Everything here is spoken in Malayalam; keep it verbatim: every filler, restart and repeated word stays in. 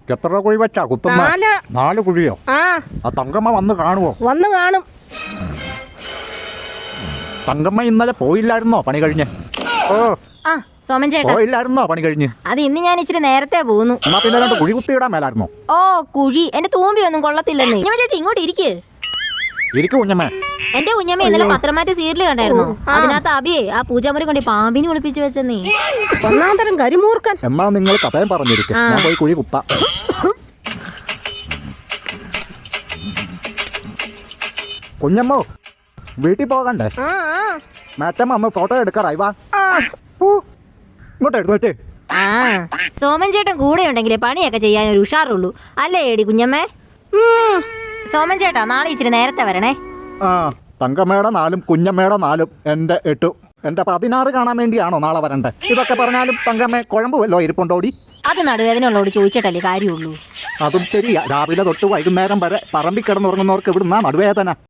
എത്ര കുഴി വെച്ചാ കുത്തുന്ന? നാല്. നാല് കുഴിയോ? ആ ആ തങ്കമ്മ വന്ന് കാണുവോ? വന്ന് കാണും. തങ്കമ്മ ഇന്നലെ പോയില്ലായിരുന്നോ പണി കഴിഞ്ഞ്? ഓ ആ സോമൻ ചേട്ടാ, പോയില്ലായിരുന്നോ പണി കഴിഞ്ഞ്? അത് ഇന്ന് ഞാൻ ഇച്ചിരി നേരത്തെ പോന്നു. എന്നാ പിന്നെ രണ്ട് കുഴി കുത്തിയിടാൻ മേലായിരുന്നോ? ഓ കുഴി എന്റെ തൂമ്പി ഒന്നും കൊള്ളത്തില്ലെന്നേ. കുഞ്ഞമ്മ ചേച്ചി ഇങ്ങോട്ട് ഇരിക്ക്. ഇരിക്കു കുഞ്ഞമ്മേ. എന്റെ കുഞ്ഞമ്മ ഇന്നലെ പത്രമാറ്റ് സീരിയൽ കണ്ടായിരുന്നു. അതിനകത്ത് അബിയെ ആ പൂജാമുറി കൊണ്ട് പാമ്പിനെ ഒളിപ്പിച്ചു വെച്ചെന്നേ. ഒന്നാം തരം കരിമൂർക്കൻ. എന്നാ നിങ്ങൾ കഥയും പറഞ്ഞിരിക്കും, ഞാൻ പോയി കുഴി കുത്താം. കുഞ്ഞമ്മോ വീട്ടിൽ പോകണ്ടേ? ആ ആ മാറ്റമ്മ അന്ന് ഫോട്ടോ എടുക്കാറായി. വാ ഊ, ഇങ്ങോട്ട് എടുത്തോട്ടെ. ആ സോമൻ ചേട്ടൻ കൂടെ ഉണ്ടെങ്കിലേ പണിയൊക്കെ ചെയ്യാൻ ഒരു ഉഷാറുള്ളൂ അല്ലേ ഏടി കുഞ്ഞമ്മേ? ഉം. സോമൻ ചേട്ടാ നാളെ ഇച്ചിരി നേരത്തെ വരണേ. ആ തങ്കമ്മയുടെ നാലും കുഞ്ഞമ്മയുടെ നാലും എൻ്റെ എട്ടും എൻ്റെ പതിനാറ് കാണാൻ വേണ്ടിയാണോ നാളെ വരണ്ടേ? ഇതൊക്കെ പറഞ്ഞാലും തങ്കമ്മ കുഴമ്പുമല്ലോ ഇരിപ്പുണ്ടോടി. അത് നടുവേദനയുള്ളോട് ചോദിച്ചിട്ടല്ലേ കാര്യമുള്ളൂ. അതും ശരിയാ, രാവിലെ തൊട്ട് വൈകുന്നേരം വരെ പറമ്പിൽ കിടന്നുറങ്ങുന്നവർക്ക് ഇവിടുന്നാ നടുവേദന.